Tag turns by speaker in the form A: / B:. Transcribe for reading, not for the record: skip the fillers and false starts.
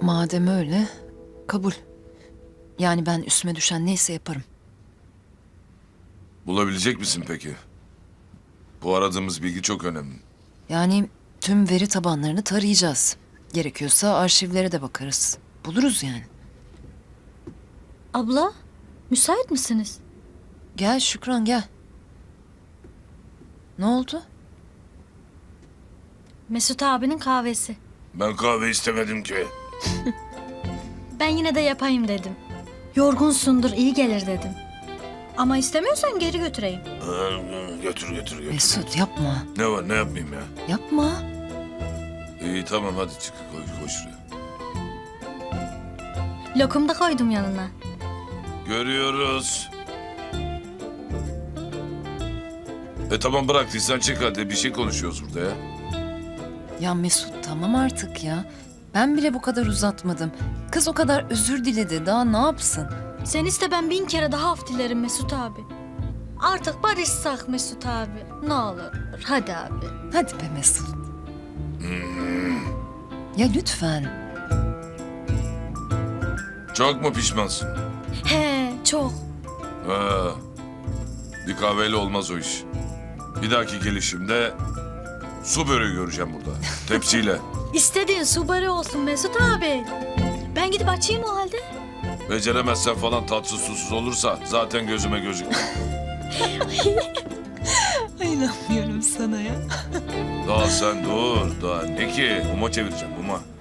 A: Madem öyle, kabul. Yani ben üstüme düşen neyse yaparım.
B: Bulabilecek misin peki? Bu aradığımız bilgi çok önemli.
A: Yani tüm veri tabanlarını tarayacağız. Gerekiyorsa arşivlere de bakarız. Buluruz yani.
C: Abla, müsait misiniz?
A: Gel Şükran gel. Ne oldu?
C: Mesut abinin kahvesi.
B: Ben kahve istemedim ki.
C: Ben yine de yapayım dedim. Yorgunsundur, iyi gelir dedim. Ama istemiyorsan geri götüreyim.
B: Götür.
A: Mesut yapma.
B: Ne var, ne yapmayayım ya?
A: Yapma.
B: İyi tamam, hadi çık, koy şuraya.
C: Lokum da koydum yanına.
B: Görüyoruz. Tamam, bıraktıysan çık hadi, bir şey konuşuyoruz burada ya.
A: Ya Mesut tamam artık ya. Ben bile bu kadar uzatmadım. Kız o kadar özür diledi. Daha ne yapsın?
C: Sen iste, ben 1000 kere daha af dilerim Mesut abi. Artık barışsak Mesut abi. Ne olur, hadi abi.
A: Hadi be Mesut. Ya lütfen.
B: Çok mu pişmansın?
C: He, çok.
B: Ha, bir kahveyle olmaz o iş. Bir dahaki gelişimde su böreği göreceğim burada. Tepsiyle.
C: İstediğin su böreği olsun Mesut abi. Ben gidip açayım o halde.
B: Beceremezsen falan, tatsız susuz olursa zaten gözüme gözükmüyor.
A: İnanmıyorum sana ya.
B: Daha sen dur. Daha ne ki? Muma çevireceğim, muma.